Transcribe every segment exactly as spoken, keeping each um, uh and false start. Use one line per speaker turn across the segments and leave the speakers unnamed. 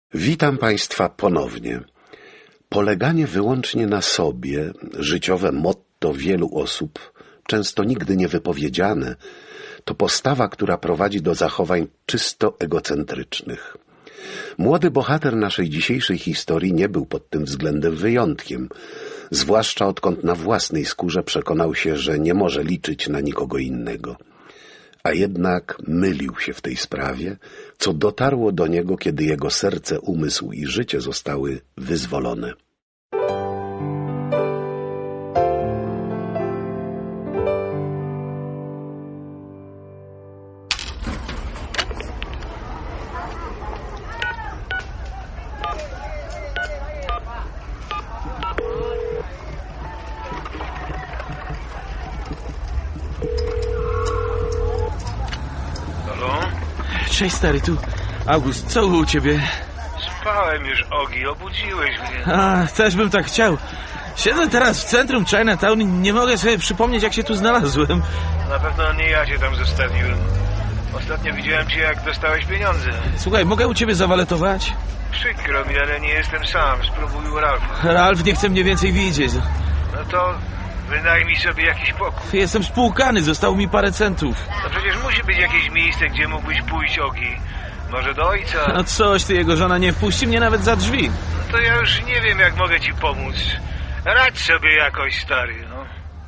Witam Państwa ponownie. Poleganie wyłącznie na sobie, życiowe motto wielu osób, często nigdy nie wypowiedziane, to postawa, która prowadzi do zachowań czysto egocentrycznych. Młody bohater naszej dzisiejszej historii nie był pod tym względem wyjątkiem, zwłaszcza odkąd na własnej skórze przekonał się, że nie może liczyć na nikogo innego. A jednak mylił się w tej sprawie, co dotarło do niego, kiedy jego serce, umysł i życie zostały wyzwolone.
Cześć stary, tu August, co u ciebie?
Spałem już, Ogi, obudziłeś mnie.
A, też bym tak chciał. Siedzę teraz w centrum Chinatown i nie mogę sobie przypomnieć, jak się tu znalazłem.
Na pewno nie ja cię tam zostawiłem. Ostatnio widziałem cię, jak dostałeś pieniądze.
Słuchaj, mogę u ciebie zawaletować?
Przykro mi, ale nie jestem sam. Spróbuj u Ralfa.
Ralf nie chce mnie więcej widzieć.
No to wynajmij sobie jakiś pokój.
Jestem spłukany, zostało mi parę centów.
No przecież musi być jakieś miejsce, gdzie mógłbyś pójść, Ogi. Może do ojca?
No coś, ty, jego żona nie wpuści mnie nawet za drzwi.
No to ja już nie wiem, jak mogę ci pomóc. Radź sobie jakoś, stary, no.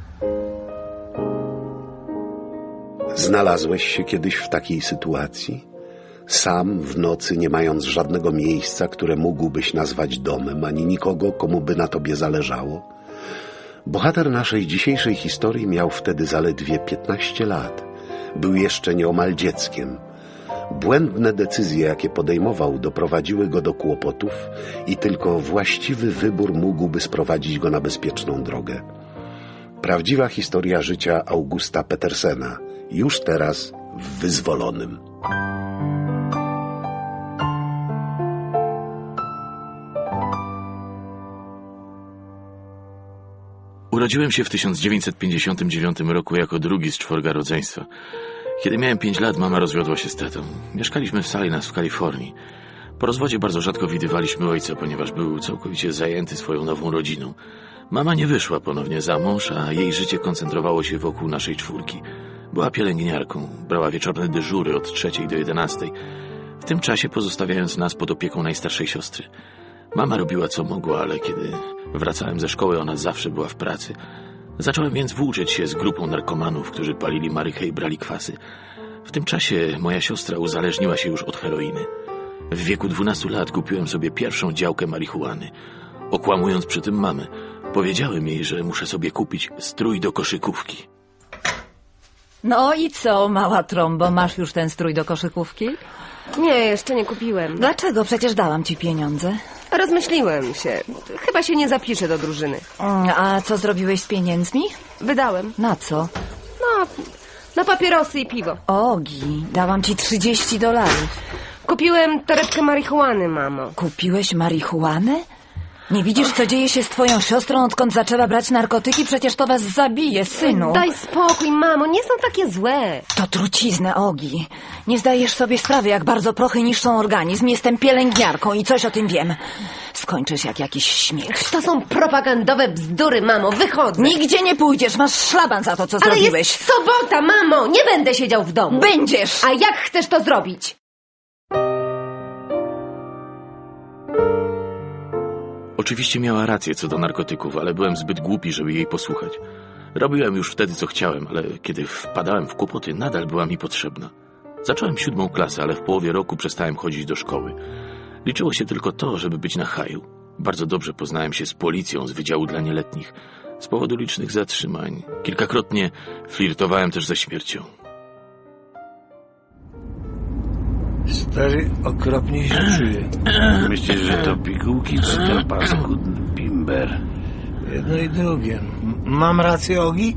Znalazłeś się kiedyś w takiej sytuacji? Sam w nocy, nie mając żadnego miejsca, które mógłbyś nazwać domem, ani nikogo, komu by na tobie zależało? Bohater naszej dzisiejszej historii miał wtedy zaledwie piętnaście lat. Był jeszcze nieomal dzieckiem. Błędne decyzje, jakie podejmował, doprowadziły go do kłopotów i tylko właściwy wybór mógłby sprowadzić go na bezpieczną drogę. Prawdziwa historia życia Augusta Petersena, już teraz w Wyzwolonym.
Urodziłem się w tysiąc dziewięćset pięćdziesiątym dziewiątym roku jako drugi z czworga rodzeństwa. Kiedy miałem pięć lat, mama rozwiodła się z tatą. Mieszkaliśmy w Salinas w Kalifornii. Po rozwodzie bardzo rzadko widywaliśmy ojca, ponieważ był całkowicie zajęty swoją nową rodziną. Mama nie wyszła ponownie za mąż, a jej życie koncentrowało się wokół naszej czwórki. Była pielęgniarką, brała wieczorne dyżury od trzeciej do jedenastej, w tym czasie pozostawiając nas pod opieką najstarszej siostry. Mama robiła co mogła, ale kiedy wracałem ze szkoły, ona zawsze była w pracy. Zacząłem więc włóczyć się z grupą narkomanów, którzy palili marychę i brali kwasy. W tym czasie moja siostra uzależniła się już od heroiny. W wieku dwunastu lat kupiłem sobie pierwszą działkę marihuany. Okłamując przy tym mamę, powiedziałem jej, że muszę sobie kupić strój do koszykówki.
No i co, mała trąbo, masz już ten strój do koszykówki?
Nie, jeszcze nie kupiłem.
Dlaczego? Przecież dałam ci pieniądze.
Rozmyśliłem się. Chyba się nie zapiszę do drużyny.
A co zrobiłeś z pieniędzmi?
Wydałem.
Na co?
No, na papierosy i piwo.
Ogi, dałam ci trzydzieści dolarów.
Kupiłem torebkę marihuany, mamo.
Kupiłeś marihuanę? Nie widzisz, co dzieje się z twoją siostrą, odkąd zaczęła brać narkotyki? Przecież to was zabije, synu.
Daj spokój, mamo, nie są takie złe.
To trucizny, Ogi. Nie zdajesz sobie sprawy, jak bardzo prochy niszczą organizm. Jestem pielęgniarką i coś o tym wiem. Skończysz jak jakiś śmiech.
To są propagandowe bzdury, mamo, wychodzę.
Nigdzie nie pójdziesz, masz szlaban za to, co
Ale
zrobiłeś.
jest sobota, mamo, nie będę siedział w domu.
Będziesz!
A jak chcesz to zrobić?
Oczywiście miała rację co do narkotyków, ale byłem zbyt głupi, żeby jej posłuchać. Robiłem już wtedy, co chciałem, ale kiedy wpadałem w kłopoty, nadal była mi potrzebna. Zacząłem siódmą klasę, ale w połowie roku przestałem chodzić do szkoły. Liczyło się tylko to, żeby być na haju. Bardzo dobrze poznałem się z policją z Wydziału dla Nieletnich. Z powodu licznych zatrzymań. Kilkakrotnie flirtowałem też ze śmiercią.
Stary, okropnie się czuję.
Myślisz, że to pigułki czy ten paskudny bimber?
Jedno i drugie. M- Mam rację, Ogi?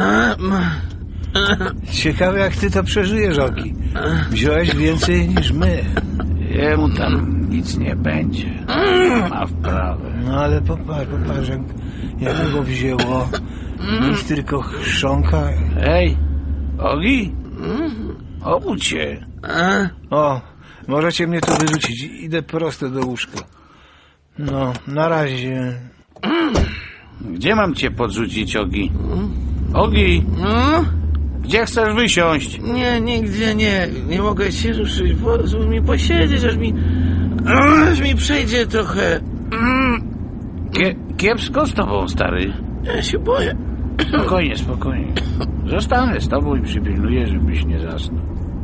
Ciekawe, jak ty to przeżyjesz, Ogi. Wziąłeś więcej niż my.
Jemu tam nic nie będzie. Ma wprawę.
No ale popatrz, popatrz, jak, jak go wzięło. Nic tylko chrząka.
Hej, Ogi? Obudź się.
O, Możecie mnie tu wyrzucić. Idę prosto do łóżka. No, na razie.
Gdzie mam cię podrzucić, Ogi? Ogi!
No?
Gdzie chcesz wysiąść?
Nie, nigdzie nie. Nie mogę się ruszyć. Pozwól mi posiedzieć, aż mi... aż mi przejdzie trochę.
Kie, kiepsko z tobą, stary.
Ja się boję.
Spokojnie, spokojnie. Zostanę z tobą i przypilnuję, żebyś nie zasnął.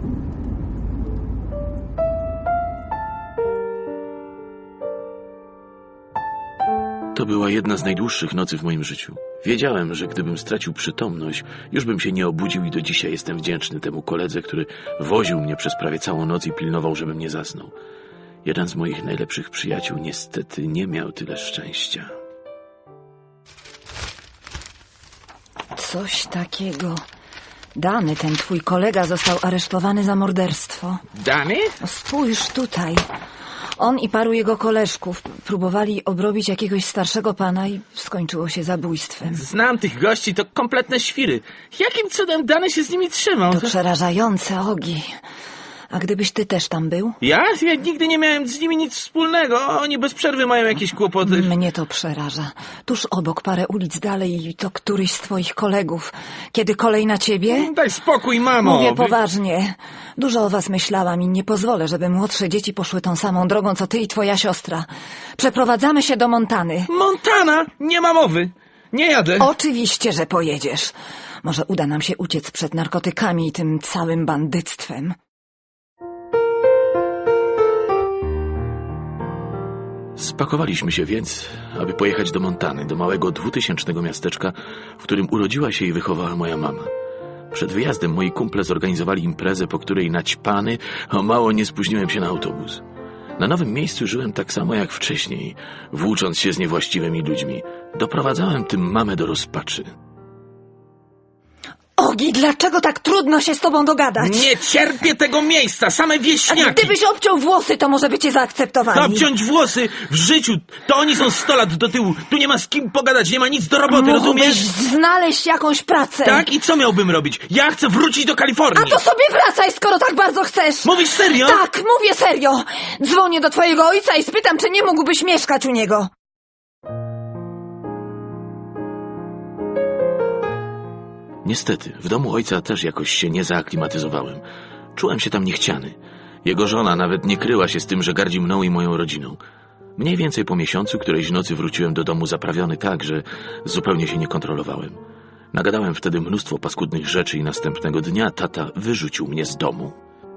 To była jedna z najdłuższych nocy w moim życiu. Wiedziałem, że gdybym stracił przytomność, już bym się nie obudził i do dzisiaj jestem wdzięczny temu koledze, który woził mnie przez prawie całą noc i pilnował, żebym nie zasnął. Jeden z moich najlepszych przyjaciół niestety nie miał tyle szczęścia.
Coś takiego. Dany, ten twój kolega, został aresztowany za morderstwo.
Dany?
No spójrz tutaj. On i paru jego koleżków próbowali obrobić jakiegoś starszego pana i skończyło się zabójstwem.
Znam tych gości, to kompletne świry. Jakim cudem Dany się z nimi trzymał?
To przerażające, Ogi. A gdybyś ty też tam był?
Ja? Ja nigdy nie miałem z nimi nic wspólnego. Oni bez przerwy mają jakieś kłopoty.
Mnie to przeraża. Tuż obok, parę ulic dalej, i to któryś z twoich kolegów. Kiedy kolej na ciebie?
Daj spokój, mamo.
Mówię poważnie. Dużo o was myślałam i nie pozwolę, żeby młodsze dzieci poszły tą samą drogą, co ty i twoja siostra. Przeprowadzamy się do Montany.
Montana? Nie ma mowy. Nie jadę.
Oczywiście, że pojedziesz. Może uda nam się uciec przed narkotykami i tym całym bandyctwem.
Spakowaliśmy się więc, aby pojechać do Montany, do małego dwutysięcznego miasteczka, w którym urodziła się i wychowała moja mama. Przed wyjazdem moi kumple zorganizowali imprezę, po której naćpany o mało nie spóźniłem się na autobus. Na nowym miejscu żyłem tak samo jak wcześniej, włócząc się z niewłaściwymi ludźmi. Doprowadzałem tym mamę do rozpaczy.
Ogi, dlaczego tak trudno się z tobą dogadać?
Nie cierpię tego miejsca, same wieśniaki!
A gdybyś obciął włosy, to może by cię zaakceptowali.
Obciąć włosy w życiu, to oni są sto lat do tyłu. Tu nie ma z kim pogadać, nie ma nic do roboty,
Mógłbyś
rozumiesz?
znaleźć jakąś pracę.
Tak? I co miałbym robić? Ja chcę wrócić do Kalifornii.
A to sobie wracaj, skoro tak bardzo chcesz.
Mówisz serio?
Tak, mówię serio. Dzwonię do twojego ojca i spytam, czy nie mógłbyś mieszkać u niego.
Niestety, w domu ojca też jakoś się nie zaaklimatyzowałem. Czułem się tam niechciany. Jego żona nawet nie kryła się z tym, że gardzi mną i moją rodziną. Mniej więcej po miesiącu którejś nocy wróciłem do domu zaprawiony tak, że zupełnie się nie kontrolowałem. Nagadałem wtedy mnóstwo paskudnych rzeczy i następnego dnia tata wyrzucił mnie z domu.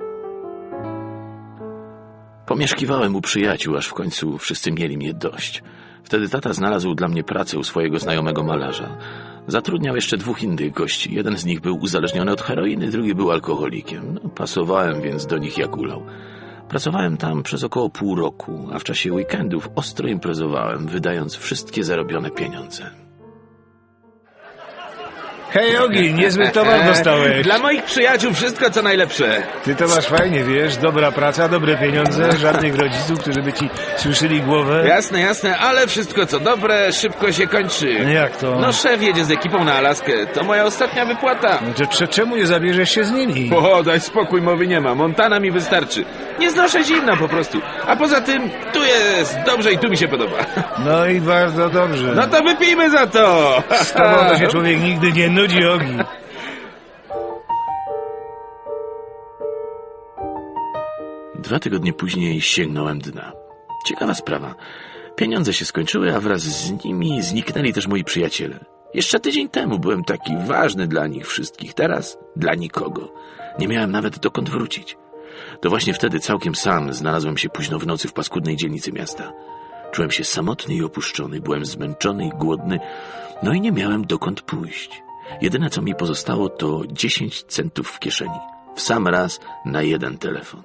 Pomieszkiwałem u przyjaciół, aż w końcu wszyscy mieli mnie dość. Wtedy tata znalazł dla mnie pracę u swojego znajomego malarza. Zatrudniał jeszcze dwóch innych gości. Jeden z nich był uzależniony od heroiny, drugi był alkoholikiem. No, pasowałem więc do nich jak ulał. Pracowałem tam przez około pół roku, a w czasie weekendów ostro imprezowałem, wydając wszystkie zarobione pieniądze.
Hej, Ogi, niezły towar dostałeś.
Dla moich przyjaciół wszystko co najlepsze.
Ty to masz fajnie, wiesz, dobra praca, dobre pieniądze, żadnych rodziców, którzy by ci słyszeli głowę.
Jasne, jasne, ale wszystko co dobre szybko się kończy.
Jak to?
No szef jedzie z ekipą na Alaskę, to moja ostatnia wypłata.
No to cze- czemu nie zabierzesz się z nimi?
O, daj spokój, mowy nie ma, Montana mi wystarczy. Nie znoszę zimna po prostu. A poza tym, tu jest dobrze i tu mi się podoba.
No i bardzo dobrze.
No to wypijmy za to!
Z tobą to się człowiek nigdy nie nudzi, Ogi.
Dwa tygodnie później sięgnąłem dna. Ciekawa sprawa. Pieniądze się skończyły, a wraz z nimi zniknęli też moi przyjaciele. Jeszcze tydzień temu byłem taki ważny dla nich wszystkich, teraz dla nikogo. Nie miałem nawet dokąd wrócić. To właśnie wtedy całkiem sam znalazłem się późno w nocy w paskudnej dzielnicy miasta. Czułem się samotny i opuszczony, byłem zmęczony i głodny, no i nie miałem dokąd pójść. Jedyne co mi pozostało to dziesięć centów w kieszeni. W sam raz na jeden telefon.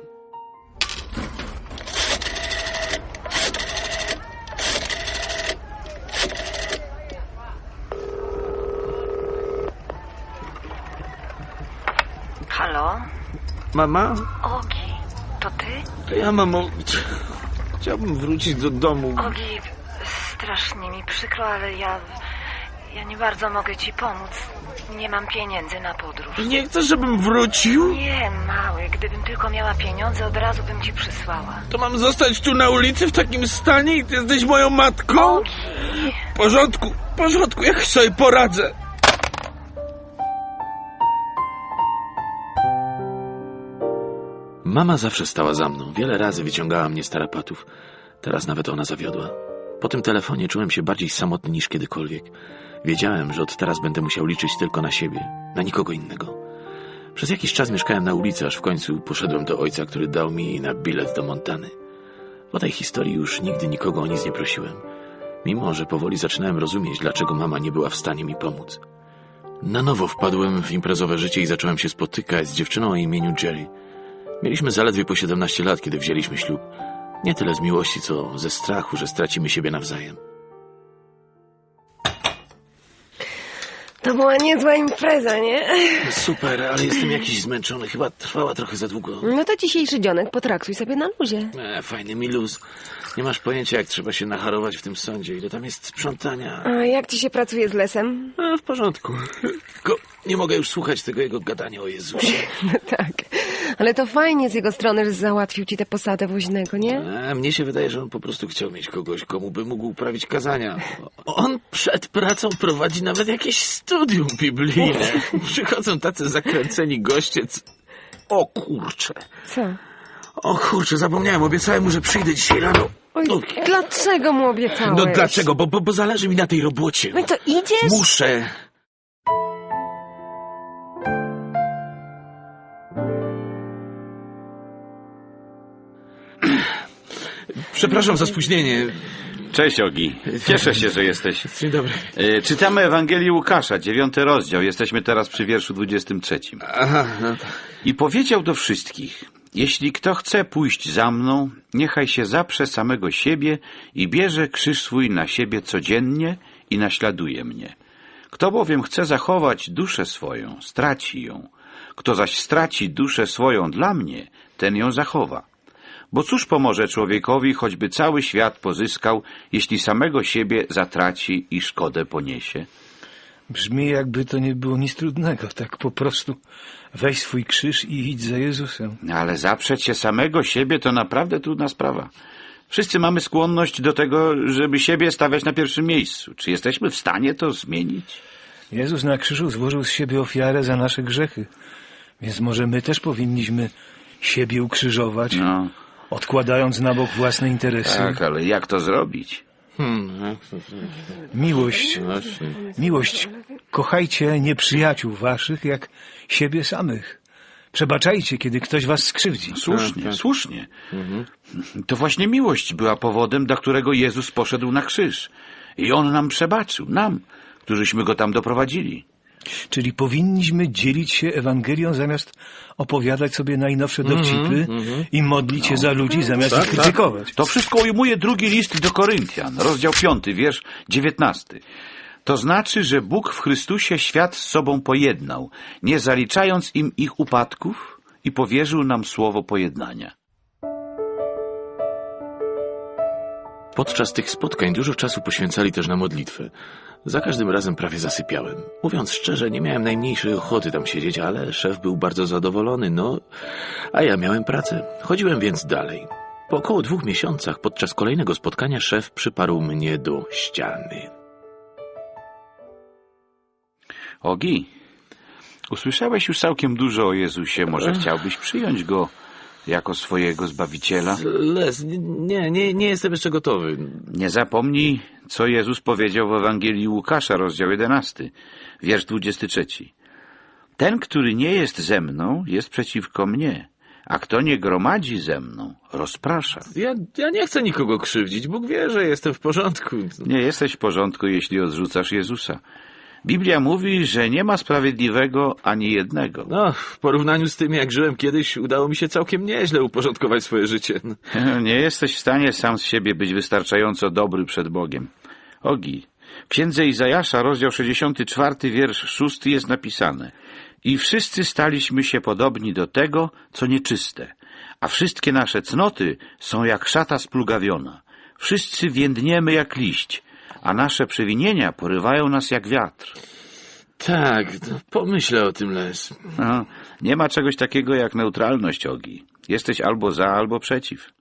Halo?
Mama?
Ogi, to ty?
To ja, mamo. Chciałbym wrócić do domu.
Ogi, strasznie mi przykro, ale ja... Ja nie bardzo mogę ci pomóc. Nie mam pieniędzy na podróż.
Nie chcesz, żebym wrócił?
Nie, mały, gdybym tylko miała pieniądze, od razu bym ci przysłała.
To mam zostać tu na ulicy w takim stanie i ty jesteś moją matką?
Ogi.
W porządku, w porządku, jak sobie poradzę. Mama zawsze stała za mną. Wiele razy wyciągała mnie z tarapatów. Teraz nawet ona zawiodła. Po tym telefonie czułem się bardziej samotny niż kiedykolwiek. Wiedziałem, że od teraz będę musiał liczyć tylko na siebie, na nikogo innego. Przez jakiś czas mieszkałem na ulicy, aż w końcu poszedłem do ojca, który dał mi na bilet do Montany. Po tej historii już nigdy nikogo o nic nie prosiłem. Mimo że powoli zaczynałem rozumieć, dlaczego mama nie była w stanie mi pomóc. Na nowo wpadłem w imprezowe życie i zacząłem się spotykać z dziewczyną o imieniu Jerry. Mieliśmy zaledwie po siedemnaście lat, kiedy wzięliśmy ślub. Nie tyle z miłości, co ze strachu, że stracimy siebie nawzajem.
To była niezła impreza, nie?
Super, ale jestem jakiś zmęczony. Chyba trwała trochę za długo.
No to dzisiejszy dzionek potraktuj sobie na luzie.
E, fajny mi luz. Nie masz pojęcia, jak trzeba się nacharować w tym sądzie. Ile tam jest sprzątania.
A jak ci się pracuje z Lesem?
E, w porządku. Tylko nie mogę już słuchać tego jego gadania o Jezusie.
Tak, ale to fajnie z jego strony, że załatwił ci tę posadę woźnego, nie?
E, mnie się wydaje, że on po prostu chciał mieć kogoś, komu by mógł uprawić kazania. On przed pracą prowadzi nawet jakieś studium biblijne. Przychodzą tacy zakręceni goście. c- O kurczę.
Co?
O kurczę, zapomniałem. Obiecałem mu, że przyjdę dzisiaj rano.
Oj,
No.
dlaczego mu obiecałeś?
No dlaczego? Bo, bo, bo zależy mi na tej robocie.
No i to idziesz?
Muszę. Przepraszam za spóźnienie.
Cześć, Ogi. Cieszę się, że jesteś.
Dzień dobry.
E, czytamy Ewangelię Łukasza, dziewiąty rozdział. Jesteśmy teraz przy wierszu dwudziestym trzecim.
Aha, no to...
I powiedział do wszystkich: jeśli kto chce pójść za mną, niechaj się zaprze samego siebie i bierze krzyż swój na siebie codziennie i naśladuje mnie. Kto bowiem chce zachować duszę swoją, straci ją. Kto zaś straci duszę swoją dla mnie, ten ją zachowa. Bo cóż pomoże człowiekowi, choćby cały świat pozyskał, jeśli samego siebie zatraci i szkodę poniesie?
Brzmi, jakby to nie było nic trudnego. Tak po prostu weź swój krzyż i idź za Jezusem.
Ale zaprzeć się samego siebie to naprawdę trudna sprawa. Wszyscy mamy skłonność do tego, żeby siebie stawiać na pierwszym miejscu. Czy jesteśmy w stanie to zmienić?
Jezus na krzyżu złożył z siebie ofiarę za nasze grzechy. Więc może my też powinniśmy siebie ukrzyżować,
No,
odkładając na bok własne interesy.
tak, ale jak to zrobić?
Hmm, jak to...
Miłość,
Właśnie.
miłość. Kochajcie nieprzyjaciół waszych jak siebie samych. Przebaczajcie, kiedy ktoś was skrzywdzi.
Słusznie,
Tak, tak.
słusznie.
Mhm.
To właśnie miłość była powodem, dla którego Jezus poszedł na krzyż. I On nam przebaczył, nam, którzyśmy Go tam doprowadzili.
Czyli powinniśmy dzielić się Ewangelią zamiast opowiadać sobie najnowsze dowcipy
mhm.
i modlić się za ludzi zamiast
Tak,
ich
tak.
krytykować.
To wszystko ujmuje drugi list do Koryntian, rozdział piąty, wiersz dziewiętnasty. To znaczy, że Bóg w Chrystusie świat z sobą pojednał, nie zaliczając im ich upadków, i powierzył nam słowo pojednania.
Podczas tych spotkań dużo czasu poświęcali też na modlitwę. Za każdym razem prawie zasypiałem. Mówiąc szczerze, nie miałem najmniejszej ochoty tam siedzieć, ale szef był bardzo zadowolony, no, a ja miałem pracę. Chodziłem więc dalej. Po około dwóch miesiącach, podczas kolejnego spotkania, szef przyparł mnie do ściany.
Ogi, usłyszałeś już całkiem dużo o Jezusie. Może chciałbyś przyjąć Go jako swojego Zbawiciela?
Les, nie, nie, nie jestem jeszcze gotowy.
Nie zapomnij, co Jezus powiedział w Ewangelii Łukasza, rozdział jedenasty, wiersz dwudziesty trzeci. Ten, który nie jest ze mną, jest przeciwko mnie, a kto nie gromadzi ze mną, rozprasza.
Ja, ja nie chcę nikogo krzywdzić. Bóg wie, że jestem w porządku.
Nie jesteś w porządku, jeśli odrzucasz Jezusa. Biblia mówi, że nie ma sprawiedliwego ani jednego.
No, w porównaniu z tym, jak żyłem kiedyś, udało mi się całkiem nieźle uporządkować swoje życie.
Nie jesteś w stanie sam z siebie być wystarczająco dobry przed Bogiem. Ogi, w księdze Izajasza, rozdział sześćdziesiąty czwarty, wiersz szósty jest napisane: i wszyscy staliśmy się podobni do tego, co nieczyste, a wszystkie nasze cnoty są jak szata splugawiona. Wszyscy więdniemy jak liść, a nasze przewinienia porywają nas jak wiatr.
Tak, no, pomyślę o tym, Les.
No, nie ma czegoś takiego jak neutralność, Ogi. Jesteś albo za, albo przeciw.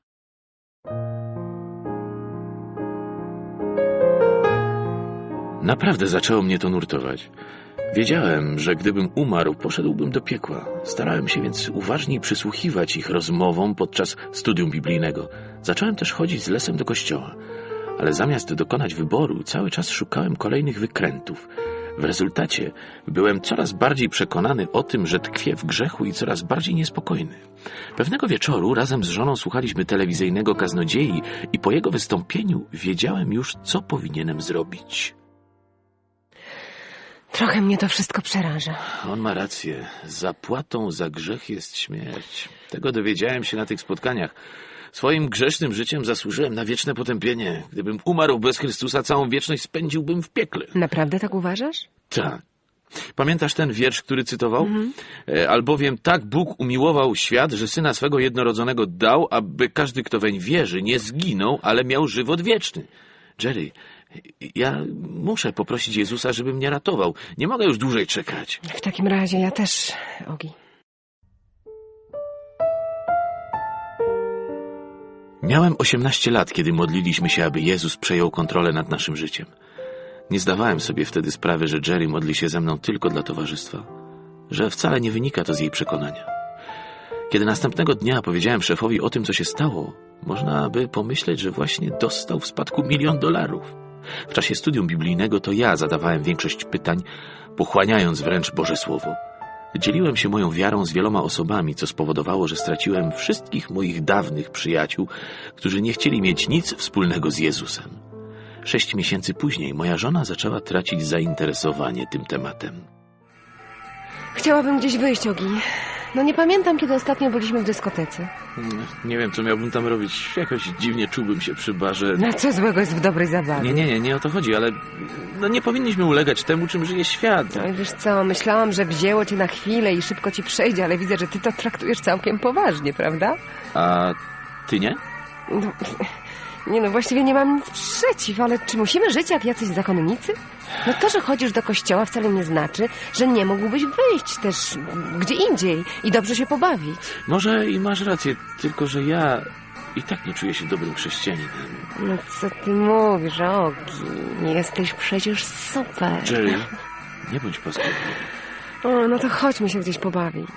Naprawdę zaczęło mnie to nurtować. Wiedziałem, że gdybym umarł, poszedłbym do piekła. Starałem się więc uważniej przysłuchiwać ich rozmowom podczas studium biblijnego. Zacząłem też chodzić z Lesem do kościoła. Ale zamiast dokonać wyboru, cały czas szukałem kolejnych wykrętów. W rezultacie byłem coraz bardziej przekonany o tym, że tkwię w grzechu i coraz bardziej niespokojny. Pewnego wieczoru razem z żoną słuchaliśmy telewizyjnego kaznodziei i po jego wystąpieniu wiedziałem już, co powinienem zrobić.
Trochę mnie to wszystko przeraża.
On ma rację. Zapłatą za grzech jest śmierć. Tego dowiedziałem się na tych spotkaniach. Swoim grzesznym życiem zasłużyłem na wieczne potępienie. Gdybym umarł bez Chrystusa, całą wieczność spędziłbym w piekle.
Naprawdę tak uważasz?
Tak. Pamiętasz ten wiersz, który cytował?
Mhm.
E, Albowiem tak Bóg umiłował świat, że Syna swego jednorodzonego dał, aby każdy, kto weń wierzy, nie zginął, ale miał żywot wieczny. Jerry, ja muszę poprosić Jezusa, żeby mnie ratował. Nie mogę już dłużej czekać.
W takim razie ja też, Ogi.
Miałem osiemnaście lat, kiedy modliliśmy się, aby Jezus przejął kontrolę nad naszym życiem. Nie zdawałem sobie wtedy sprawy, że Jerry modli się ze mną tylko dla towarzystwa, że wcale nie wynika to z jej przekonania. Kiedy następnego dnia powiedziałem szefowi o tym, co się stało, można by pomyśleć, że właśnie dostał w spadku milion dolarów. W czasie studium biblijnego to ja zadawałem większość pytań, pochłaniając wręcz Boże Słowo. Dzieliłem się moją wiarą z wieloma osobami, co spowodowało, że straciłem wszystkich moich dawnych przyjaciół, którzy nie chcieli mieć nic wspólnego z Jezusem. Sześć miesięcy później moja żona zaczęła tracić zainteresowanie tym tematem.
Chciałabym gdzieś wyjść, Ogi. No nie pamiętam, kiedy ostatnio byliśmy w dyskotece.
Nie wiem, co miałbym tam robić. Jakoś dziwnie czułbym się przy barze.
No co złego jest w dobrej zabawie?
Nie, nie, nie, nie o to chodzi, ale no nie powinniśmy ulegać temu, czym żyje świat.
No i wiesz co, myślałam, że wzięło cię na chwilę i szybko ci przejdzie, ale widzę, że ty to traktujesz całkiem poważnie, prawda?
A ty nie?
No, nie no, właściwie nie mam nic przeciw, ale czy musimy żyć jak jacyś zakonnicy? No to, że chodzisz do kościoła wcale nie znaczy, że nie mógłbyś wyjść też gdzie indziej i dobrze się pobawić.
Może i masz rację, tylko że ja i tak nie czuję się dobrym chrześcijaninem.
No co ty mówisz, Ogi? Nie jesteś przecież super.
Jerry, nie bądź paskudny.
O, no to chodźmy się gdzieś pobawić.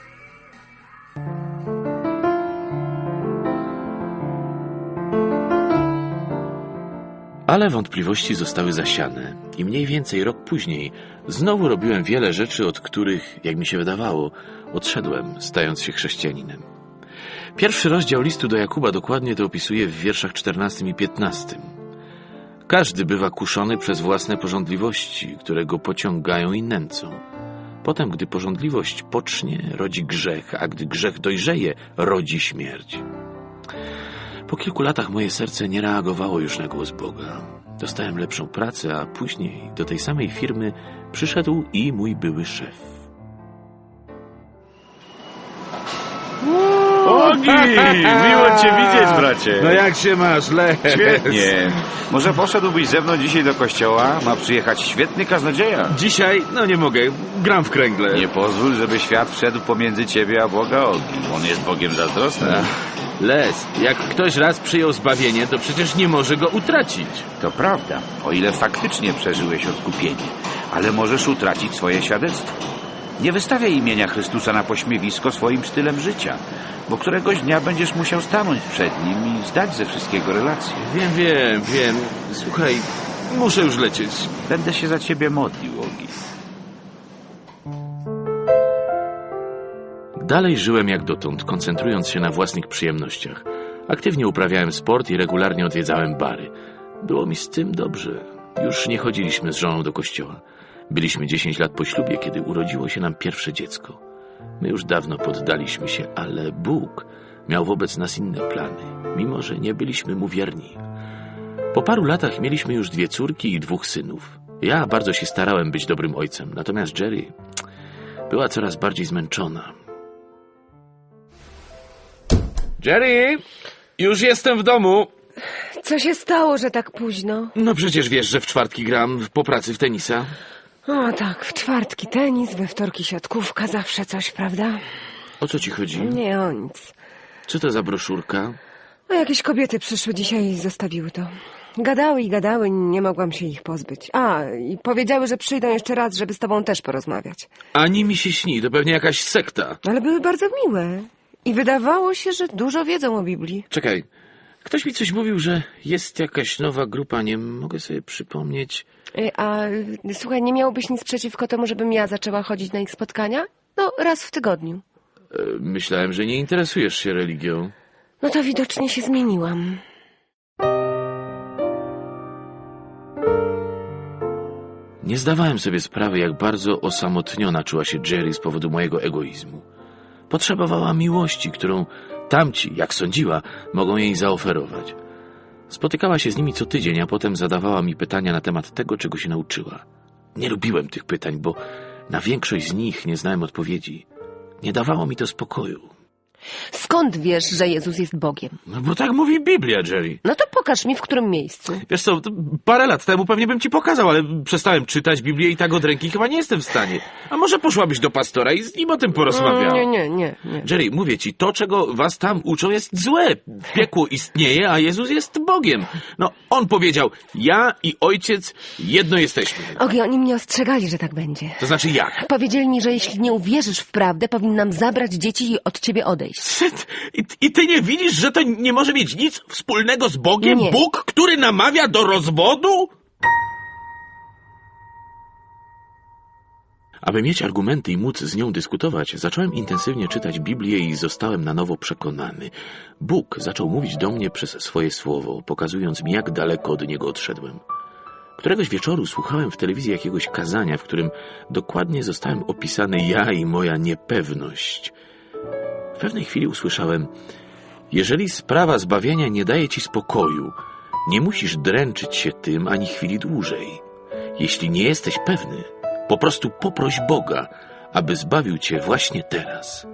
Ale wątpliwości zostały zasiane i mniej więcej rok później znowu robiłem wiele rzeczy, od których, jak mi się wydawało, odszedłem, stając się chrześcijaninem. Pierwszy rozdział listu do Jakuba dokładnie to opisuje w wierszach czternastym i piętnastym. Każdy bywa kuszony przez własne pożądliwości, które go pociągają i nęcą. Potem, gdy pożądliwość pocznie, rodzi grzech, a gdy grzech dojrzeje, rodzi śmierć. Po kilku latach moje serce nie reagowało już na głos Boga. Dostałem lepszą pracę, a później do tej samej firmy przyszedł i mój były szef.
Ogi! Miło cię widzieć, bracie.
No jak się masz, Les?
Świetnie. Może poszedłbyś ze mną dzisiaj do kościoła? Ma przyjechać świetny kaznodzieja.
Dzisiaj? No nie mogę, gram w kręgle.
Nie pozwól, żeby świat wszedł pomiędzy ciebie a Boga, Ogi. On jest Bogiem zazdrosnym.
Les, jak ktoś raz przyjął zbawienie, to przecież nie może go utracić.
To prawda, o ile faktycznie przeżyłeś odkupienie, ale możesz utracić swoje świadectwo. Nie wystawiaj imienia Chrystusa na pośmiewisko swoim stylem życia, bo któregoś dnia będziesz musiał stanąć przed Nim i zdać ze wszystkiego relację.
Wiem, wiem, wiem. Słuchaj, muszę już lecieć.
Będę się za ciebie modlił, Ogi.
Dalej żyłem jak dotąd, koncentrując się na własnych przyjemnościach. Aktywnie uprawiałem sport i regularnie odwiedzałem bary. Było mi z tym dobrze. Już nie chodziliśmy z żoną do kościoła. Byliśmy dziesięć lat po ślubie, kiedy urodziło się nam pierwsze dziecko. My już dawno poddaliśmy się, ale Bóg miał wobec nas inne plany, mimo że nie byliśmy mu wierni. Po paru latach mieliśmy już dwie córki i dwóch synów. Ja bardzo się starałem być dobrym ojcem, natomiast Jerry była coraz bardziej zmęczona. Jerry, już jestem w domu.
Co się stało, że tak późno?
No przecież wiesz, że w czwartki gram po pracy w tenisa.
O tak, w czwartki tenis, we wtorki siatkówka, zawsze coś, prawda?
O co ci chodzi?
Nie o nic.
Co to za broszurka?
A jakieś kobiety przyszły dzisiaj i zostawiły to. Gadały i gadały, nie mogłam się ich pozbyć. A, i powiedziały, że przyjdą jeszcze raz, żeby z tobą też porozmawiać.
Ani mi się śni, to pewnie jakaś sekta.
Ale były bardzo miłe. I wydawało się, że dużo wiedzą o Biblii.
Czekaj, ktoś mi coś mówił, że jest jakaś nowa grupa, nie mogę sobie przypomnieć.
A słuchaj, nie miałbyś nic przeciwko temu, żebym ja zaczęła chodzić na ich spotkania? No, raz w tygodniu.
E, Myślałem, że nie interesujesz się religią.
No to widocznie się zmieniłam.
Nie zdawałem sobie sprawy, jak bardzo osamotniona czuła się Jerry z powodu mojego egoizmu. Potrzebowała miłości, którą tamci, jak sądziła, mogą jej zaoferować. Spotykała się z nimi co tydzień, a potem zadawała mi pytania na temat tego, czego się nauczyła. Nie lubiłem tych pytań, bo na większość z nich nie znałem odpowiedzi. Nie dawało mi to spokoju.
Skąd wiesz, że Jezus jest Bogiem?
No bo tak mówi Biblia, Jerry.
No to pokaż mi, w którym miejscu.
Wiesz co, to parę lat temu pewnie bym ci pokazał, ale przestałem czytać Biblię i tak od ręki chyba nie jestem w stanie. A może poszłabyś do pastora i z nim o tym porozmawiała?
Nie, nie, nie, nie.
Jerry, mówię ci, to, czego was tam uczą, jest złe. Piekło istnieje, a Jezus jest Bogiem. No, on powiedział, ja i ojciec jedno jesteśmy.
Ogi, oni mnie ostrzegali, że tak będzie.
To znaczy jak?
Powiedzieli mi, że jeśli nie uwierzysz w prawdę, powinnam zabrać dzieci i od ciebie odejść.
I, I ty nie widzisz, że to nie może mieć nic wspólnego z Bogiem?
Nie.
Bóg, który namawia do rozwodu? Aby mieć argumenty i móc z nią dyskutować, zacząłem intensywnie czytać Biblię i zostałem na nowo przekonany. Bóg zaczął mówić do mnie przez swoje słowo, pokazując mi, jak daleko od niego odszedłem. Któregoś wieczoru słuchałem w telewizji jakiegoś kazania, w którym dokładnie zostałem opisany ja i moja niepewność. W pewnej chwili usłyszałem: jeżeli sprawa zbawienia nie daje ci spokoju, nie musisz dręczyć się tym ani chwili dłużej. Jeśli nie jesteś pewny, po prostu poproś Boga, aby zbawił cię właśnie teraz.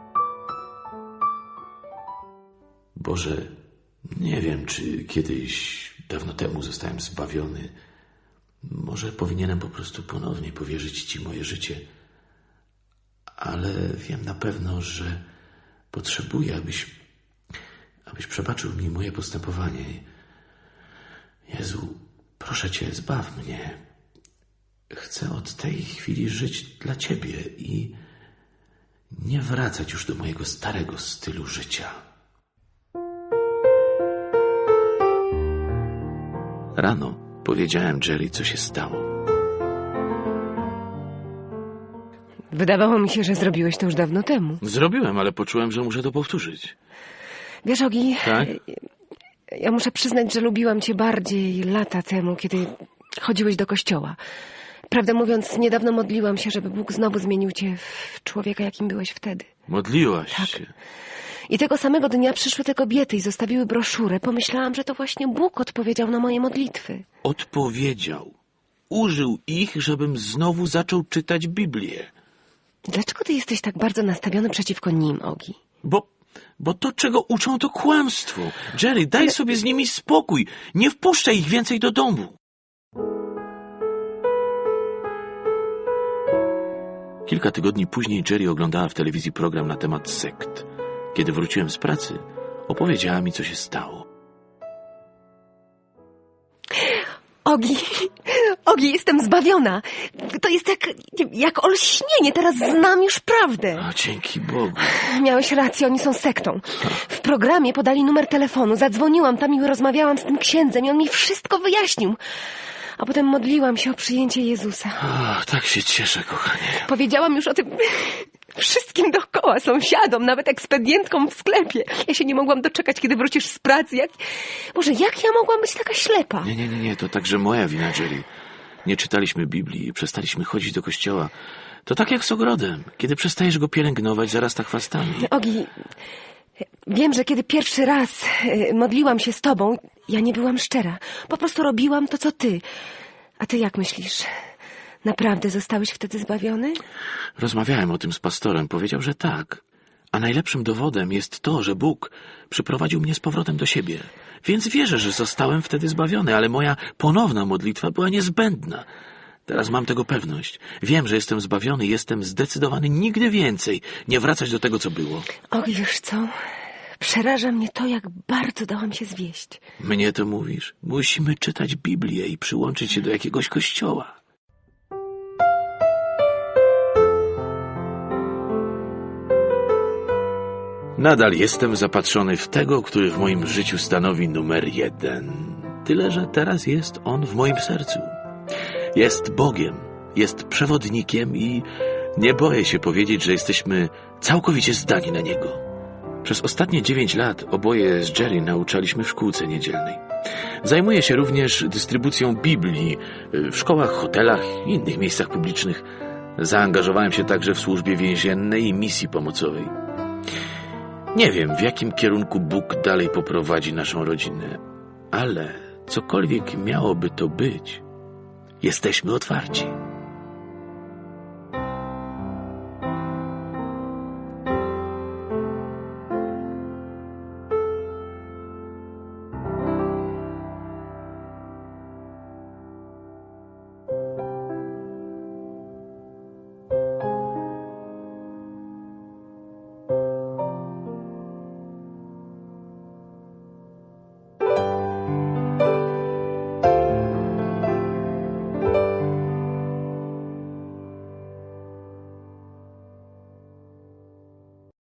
Boże, nie wiem, czy kiedyś, dawno temu zostałem zbawiony. Może powinienem po prostu ponownie powierzyć ci moje życie. Ale wiem na pewno, że potrzebuję, abyś, abyś przebaczył mi moje postępowanie. Jezu, proszę Cię, zbaw mnie. Chcę od tej chwili żyć dla Ciebie i nie wracać już do mojego starego stylu życia. Rano powiedziałem Jerry, co się stało.
Wydawało mi się, że zrobiłeś to już dawno temu.
Zrobiłem, ale poczułem, że muszę to powtórzyć.
Wiesz, Ogi,
Tak?
ja muszę przyznać, że lubiłam cię bardziej lata temu, kiedy chodziłeś do kościoła. Prawdę mówiąc, niedawno modliłam się, żeby Bóg znowu zmienił cię w człowieka, jakim byłeś wtedy.
Modliłaś
Tak.
się.
I tego samego dnia przyszły te kobiety i zostawiły broszurę. Pomyślałam, że to właśnie Bóg odpowiedział na moje modlitwy.
Odpowiedział. Użył ich, żebym znowu zaczął czytać Biblię.
Dlaczego ty jesteś tak bardzo nastawiony przeciwko nim, Ogi?
Bo, bo to, czego uczą, to kłamstwo. Jerry, daj sobie z nimi spokój. Nie wpuszczaj ich więcej do domu. Kilka tygodni później Jerry oglądała w telewizji program na temat sekt. Kiedy wróciłem z pracy, opowiedziała mi, co się stało.
Ogi, Ogi, jestem zbawiona. To jest jak, jak olśnienie, teraz znam już prawdę.
O, dzięki Bogu.
Miałeś rację, oni są sektą. W programie podali numer telefonu, zadzwoniłam tam i rozmawiałam z tym księdzem i on mi wszystko wyjaśnił. A potem modliłam się o przyjęcie Jezusa.
O, tak się cieszę, kochanie.
Powiedziałam już o tym wszystkim dookoła, sąsiadom, nawet ekspedientkom w sklepie. Ja się nie mogłam doczekać, kiedy wrócisz z pracy. Jak... Boże, jak ja mogłam być taka ślepa?
Nie, nie, nie, nie, to także moja wina, Jerry. Nie czytaliśmy Biblii, przestaliśmy chodzić do kościoła. To tak jak z ogrodem. Kiedy przestajesz go pielęgnować, zarasta chwastami.
Ogi, wiem, że kiedy pierwszy raz y, modliłam się z tobą, ja nie byłam szczera. Po prostu robiłam to, co ty. A ty jak myślisz? Naprawdę zostałeś wtedy zbawiony?
Rozmawiałem o tym z pastorem. Powiedział, że tak. A najlepszym dowodem jest to, że Bóg przyprowadził mnie z powrotem do siebie. Więc wierzę, że zostałem wtedy zbawiony, ale moja ponowna modlitwa była niezbędna. Teraz mam tego pewność. Wiem, że jestem zbawiony i jestem zdecydowany nigdy więcej nie wracać do tego, co było.
Och, wiesz co? Przeraża mnie to, jak bardzo dałam się zwieść.
Mnie to mówisz? Musimy czytać Biblię i przyłączyć się do jakiegoś kościoła. Nadal jestem zapatrzony w tego, który w moim życiu stanowi numer jeden. Tyle, że teraz jest on w moim sercu. Jest Bogiem, jest przewodnikiem i nie boję się powiedzieć, że jesteśmy całkowicie zdani na Niego. Przez ostatnie dziewięć lat oboje z Jerry nauczaliśmy w szkółce niedzielnej. Zajmuję się również dystrybucją Biblii w szkołach, hotelach i innych miejscach publicznych. Zaangażowałem się także w służbie więziennej i misji pomocowej. Nie wiem, w jakim kierunku Bóg dalej poprowadzi naszą rodzinę, ale cokolwiek miałoby to być, jesteśmy otwarci.